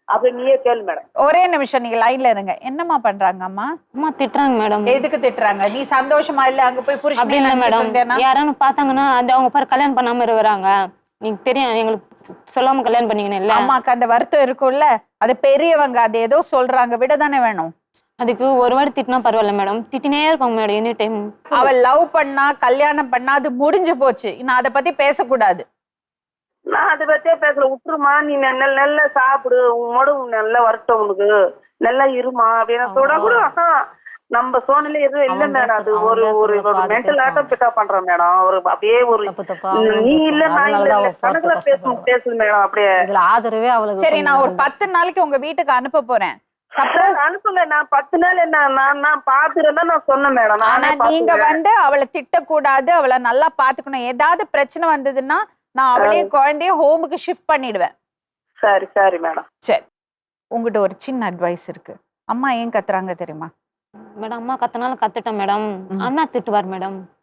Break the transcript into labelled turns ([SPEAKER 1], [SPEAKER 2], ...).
[SPEAKER 1] அப்படி நீயே கேளு மேடம்.
[SPEAKER 2] ஒரே நிமிஷம் நீங்க லைன்ல இருங்க. என்னம்மா பண்றாங்க அம்மா?
[SPEAKER 3] அம்மா திட்டுறாங்க மேடம்.
[SPEAKER 2] எதுக்கு திட்டுறாங்க? நீ சந்தோஷமா இல்ல அங்க போய்
[SPEAKER 3] அப்படி
[SPEAKER 2] புருஷனே
[SPEAKER 3] இல்ல
[SPEAKER 2] நினைச்சிட்டு
[SPEAKER 3] மேடம்,
[SPEAKER 2] இருந்தேனா?
[SPEAKER 3] யாரானு பார்த்தாங்கன்னா அது அவங்க பாரு கல்யாணம் பண்ணாம இருக்கிறாங்க. நீங்க தெரியும் எங்களுக்கு சொல்லாம கல்யாணம் பண்ணீங்கன்னு இல்ல.
[SPEAKER 2] அம்மாக்கு அந்த வருத்தம் இருக்கும்ல, அது பெரியவங்க, அது ஏதோ சொல்றாங்க, விட தானே வேணும்.
[SPEAKER 3] அதுக்கு ஒரு வாட்டி திட்டினா பரவாயில்ல மேடம், திட்டினே இருப்பாங்க மேடம் எனி டைம்.
[SPEAKER 2] அவள் லவ் பண்ணா கல்யாணம் பண்ணா அது முடிஞ்சு போச்சு. நான் அதை பத்தி பேசக்கூடாது.
[SPEAKER 1] நான் அதை பத்தியே பேசல, விட்டுருமா, நீ நல்லா சாப்பிடு, உன்னோட நல்லா வரட்டும், உனக்கு நல்லா இருமா அப்படின்னு சொல்ல கூட நம்ம சோனில எதுவும் இல்ல மேடம். அது ஒரு ஒரு மென்டல் ஆட்டம் பிக்கப் பண்றேன் மேடம். ஒரு அப்படியே ஒரு நீ இல்ல நான் இல்ல கணக்குல பேசு மேடம். அப்படியே
[SPEAKER 4] ஆதரவே அவளுக்கு.
[SPEAKER 2] சரி, நான் ஒரு 10 நாளைக்கு உங்க வீட்டுக்கு அனுப்ப போறேன். சப்போஸ்
[SPEAKER 1] அனுப்புங்க, நான் 10 நாள் என்ன நான் பாத்துறேன்னா நான் சொன்னேன் மேடம்.
[SPEAKER 2] ஆனா நீங்க வந்து அவளை திட்டக்கூடாது, அவளை நல்லா பாத்துக்கணும். ஏதாவது பிரச்சனை வந்ததுன்னா நான் அவளையும் குழந்தைய ஹோமுக்கு ஷிஃப்ட் பண்ணிடுவேன்.
[SPEAKER 1] சரி சரி மேடம்.
[SPEAKER 2] சரி, உங்ககிட்ட ஒரு சின்ன அட்வைஸ் இருக்கு. அம்மா ஏன் கத்துறாங்க தெரியுமா?
[SPEAKER 3] மேடம் அம்மா கத்தனாலும் கத்துட்டேன் மேடம், அண்ணா திட்டுவார் மேடம்.